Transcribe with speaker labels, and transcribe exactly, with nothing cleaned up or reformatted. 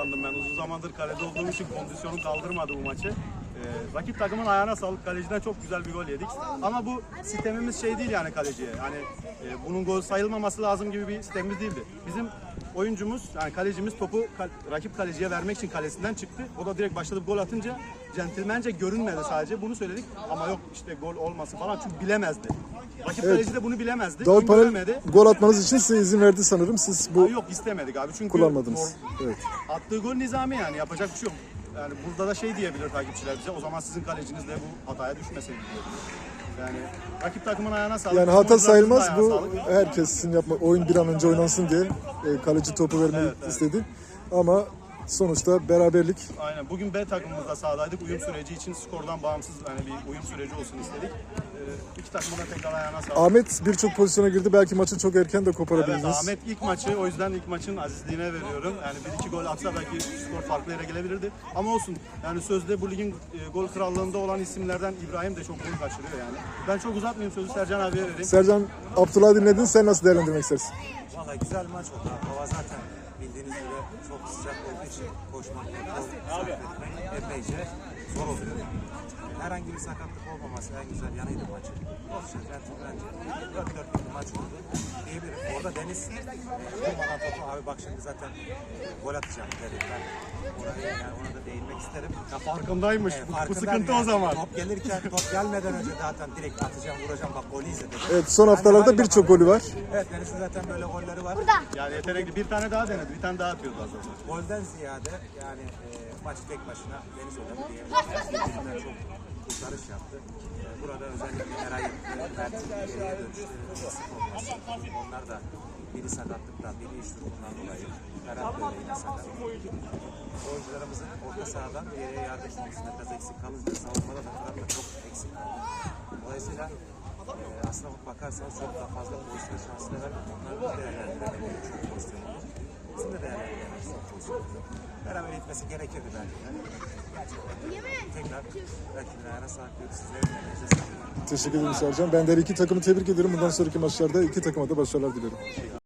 Speaker 1: sakatlandım ben. Uzun zamandır kalede olduğum için kondisyonum kaldırmadı bu maçı. Ee, rakip takımın ayağına sağlık. Kaleciden çok güzel bir gol yedik. Ama bu sistemimiz şey değil yani kaleciye. Yani e, bunun gol sayılmaması lazım gibi bir sistemimiz değildi. Bizim oyuncumuz, yani kalecimiz topu kal rakip kaleciye vermek için kalesinden çıktı. O da direkt başladı gol atınca centilmence görünmedi sadece. Bunu söyledik ama yok işte gol olması falan çünkü bilemezdi. Rakip evet. Kaleci de bunu bilemezdi.
Speaker 2: Dal Panel gol atmanız için size izin verdi sanırım. Siz bu...
Speaker 1: Aa, yok istemedik abi çünkü
Speaker 2: kullanmadınız. Evet.
Speaker 1: Attığı gol nizami yani yapacak bir şey yok. Yani burada da şey diyebilir takipçiler bize. O zaman sizin kaleciniz de bu hataya düşmeseydi diyebilir. Yani rakip takımın ayağına sağlık.
Speaker 2: Yani hata sayılmaz bu.
Speaker 1: Sağlık.
Speaker 2: Herkesin yapma, oyun bir an önce oynansın diye e, kaleci topu vermeyi evet, evet. istedi. Ama sonuçta beraberlik.
Speaker 1: Aynen. Bugün B takımımızda sahadaydık. Uyum süreci için skordan bağımsız yani bir uyum süreci olsun istedik. Ee, iki takımın da tekrar ayağına sağlık.
Speaker 2: Ahmet birçok pozisyona girdi. Belki maçı çok erken de koparabildiniz.
Speaker 1: Evet, Ahmet ilk maçı, o yüzden ilk maçın azizliğine veriyorum. Yani bir iki gol atsa belki skor farklı yere gelebilirdi. Ama olsun. Yani sözde bu ligin e, gol krallığında olan isimlerden İbrahim de çok gol kaçırıyor yani. Ben çok uzatmayayım, sözü Sercan abiye vereyim.
Speaker 2: Sercan, Abdullah'ı dinledin. Sen nasıl değerlendirmek istersin?
Speaker 3: Valla güzel maç oldu. Hava zaten bildiğiniz gibi çok sıcak olduğu için koşmak, sarf etmek epeyce zor oluyor. Herhangi bir sakatlık olmaması en güzel yanıydı maçın. Olsun, bence dört dörtlük bir maç oldu diyebilirim. Orada Deniz durmadan topu abi bak şimdi zaten gol atacağım dedi. Ben oraya yani ona da değinmek isterim.
Speaker 1: Ya farkındaymış.
Speaker 3: Evet,
Speaker 1: bu, bu sıkıntı yani. O zaman.
Speaker 3: Top gelirken top gelmeden önce zaten direkt atacağım, vuracağım bak golü izledim.
Speaker 2: Evet, son haftalarda birçok golü var.
Speaker 3: Evet, Deniz'in zaten böyle golleri var.
Speaker 1: Yani yetenekli bir tane daha denedi. Bir tane daha atıyordu az önce.
Speaker 3: Golden ziyade yani e, maçı tek başına Deniz oynadı diyebiliriz. Birbirinden çok kurtarış yaptı. E, burada özellikle Eray ve Mert'in geriye dönüşleri eksik olması. Onlar da biri sakatlıktan, biri iş durumundan dolayı. Ferhat böyle yine sakat. Oyuncularımızın orta sahadan geriye yardım konusunda biraz eksik kalınca savunmada da Ferhat da çok eksik kaldı. Dolayısıyla e, aslına bakarsanız çok daha fazla pozisyon şansını vermek. Onları da değerlendiremediği çok pozisyon oldu. Bizim de değerlendiremediğimiz çok pozisyon oldu. Beraber gitmesi gerekirdi belki de. Tekrar rakibine ayağına sağlık diyoruz. Sizlerin elinize sağlık.
Speaker 2: Teşekkür ederim Sercan. Ben de iki takımı tebrik ederim. Bundan sonraki maçlarda iki takıma da başarılar dilerim.